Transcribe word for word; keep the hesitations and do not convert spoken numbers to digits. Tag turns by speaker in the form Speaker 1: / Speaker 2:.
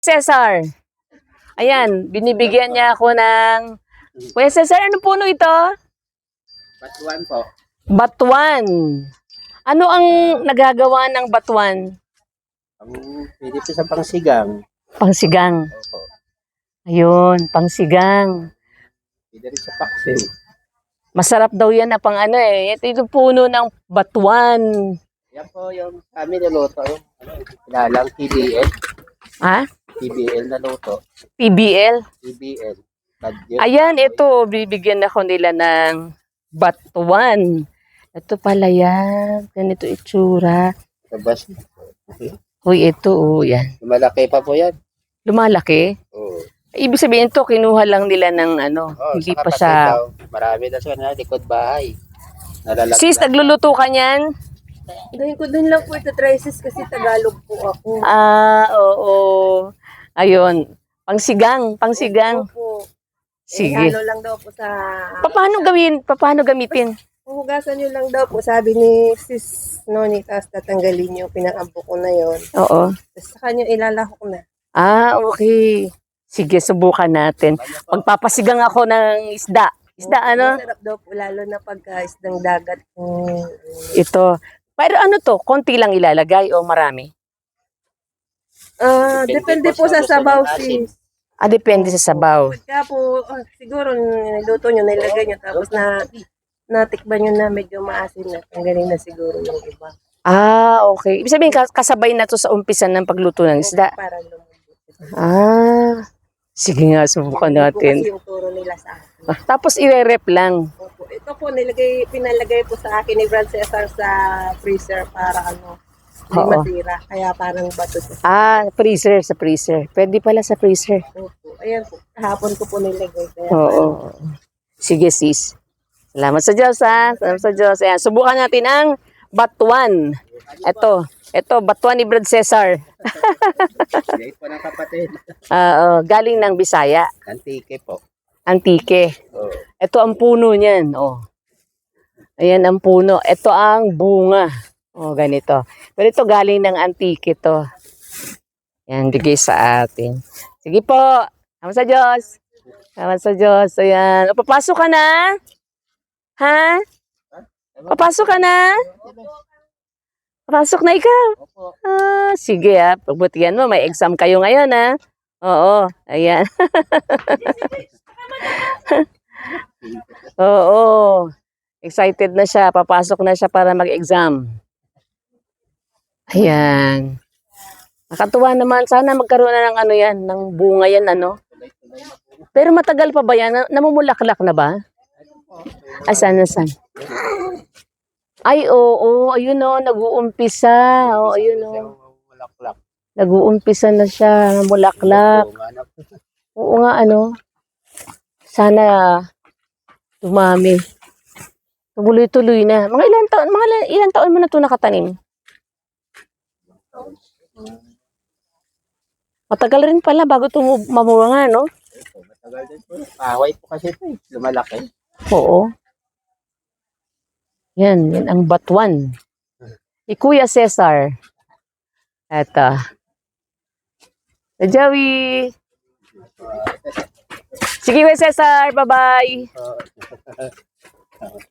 Speaker 1: Cesar. Ayan, binibigyan niya ako ng... Kuya Cesar, ano puno ito?
Speaker 2: Batuan po.
Speaker 1: Batuan. Ano ang nagagawa ng batuan?
Speaker 2: Ang pwede po sa pangsigang.
Speaker 1: Pangsigang.
Speaker 2: Opo.
Speaker 1: Ayun, pangsigang.
Speaker 2: Pwede rin sa paksin.
Speaker 1: Masarap daw yan na pang ano eh. Ito yung puno ng batuan.
Speaker 2: Yan po yung kami niluto. Yung ano, kilalang T B L.
Speaker 1: Ha?
Speaker 2: T B L na luto.
Speaker 1: P B L?
Speaker 2: T B L. Kadyo.
Speaker 1: Ayan, ito. Bibigyan ako nila ng batuan. Ito pala yan. Ganito itsura.
Speaker 2: Sabas. Okay.
Speaker 1: Uy, ito. Oh, yan.
Speaker 2: Malaki pa po yan.
Speaker 1: Lumalaki.
Speaker 2: Oo.
Speaker 1: Ibig sabihin to, kinuha lang nila ng ano.
Speaker 2: Oh,
Speaker 1: hindi
Speaker 2: sa
Speaker 1: pa
Speaker 2: kapatid
Speaker 1: siya...
Speaker 2: daw, marami na siya na likod bahay. Nalalaglag.
Speaker 1: Sis, nagluluto ka niyan?
Speaker 3: Gawin ko din lang po ito, Trices, kasi Tagalog po ako.
Speaker 1: Ah, oo. Ayun. Pangsigang, pangsigang.
Speaker 3: Opo.
Speaker 1: Sige.
Speaker 3: Eh, halo lang daw po sa...
Speaker 1: Paano gawin? Paano gamitin?
Speaker 3: Huhugasan nyo lang daw po, sabi ni Sis Noni, tapos tatanggalin nyo, pinakabo ko na yon.
Speaker 1: Oo.
Speaker 3: Tapos saka nyo ilalahok na.
Speaker 1: Ah, okay. Sige, subukan natin. Magpapasigang ako ng isda. Isda, ano?
Speaker 3: Masarap daw po, lalo na pagka isdang dagat. Hmm.
Speaker 1: Ito. Pero ano to? Konti lang ilalagay o marami?
Speaker 3: Ah, depende po sa sabaw, Sis.
Speaker 1: Ah, depende sa sabaw.
Speaker 3: Pagka po, ah, siguro niluto nyo, nilagay nyo, tapos na natikban nyo na medyo maasin na. Tanggalin na siguro yung iba.
Speaker 1: Ah, okay. Ibig sabihin, kas- kasabay na to sa umpisan ng pagluto ng isda.
Speaker 3: Para lumambot.
Speaker 1: Ah, sige nga, subukan
Speaker 3: Hindi po
Speaker 1: natin.
Speaker 3: kasi yung turo nila sa akin.
Speaker 1: Ah, tapos ire-rep lang.
Speaker 3: Opo. Ito po, nilagay, pinalagay po sa akin ni Brad Cesar sa freezer para ano, hindi
Speaker 1: Oo.
Speaker 3: masira. Kaya parang bato siya.
Speaker 1: Ah, freezer, sa freezer. Pwede pala sa freezer.
Speaker 3: Opo. Ayan po, kahapon ko po nilagay. Kaya
Speaker 1: Oo. Sige, sis. Salamat sa Diyos, ha? Salamat sa Diyos. Ayan, subukan natin ang batuan. Ito. Ito, batuan ni Brad Cesar.
Speaker 2: Dahil po ng kapatid.
Speaker 1: Ah, oh, galing ng Bisaya.
Speaker 2: Antike po.
Speaker 1: Antike.
Speaker 2: Oh.
Speaker 1: Ito ang puno niyan. Oh. Ayan ang puno. Ito ang bunga. Oh, ganito. Pero ito galing ng Antike to. Yan, bigay sa atin. Sige po. Salamat sa Diyos. Salamat sa Diyos. Ayan. O, papasok ka na? Ha? Papasok ka na? Papasok na ikaw.
Speaker 2: Opo.
Speaker 1: Ah, sige ha. Pagbutihan mo, may exam kayo ngayon ha. Oo. Ayan. Oo. Excited na siya. Papasok na siya para mag-exam. Ayan. Nakatuwa naman. Sana magkaroon na ng ano yan, ng bunga yan, ano. Pero matagal pa ba yan? Na- Namumulaklak na ba? Ay, sana, sana. Ay, oo. Ayun o, nag-uumpisa. Oo, ayun o.
Speaker 2: Walaklak.
Speaker 1: Nag-uumpisa na siya. Namulaklak.
Speaker 2: Oo, ano po.
Speaker 1: Oo nga, ano. Sana dumami. Tumuloy-tuloy na. Mga ilan taon, mga ilan, ilan taon mo na ito nakatanim? Matagal rin pala bago ito mamunga, no?
Speaker 2: Opo, matagal din po. Kahoy po kasi ito eh. Lumalaki.
Speaker 1: Oo. Yan, yan ang batuan. Si Kuya Cesar. Eto. Si Joey. Sige, Kuya Cesar. Bye-bye.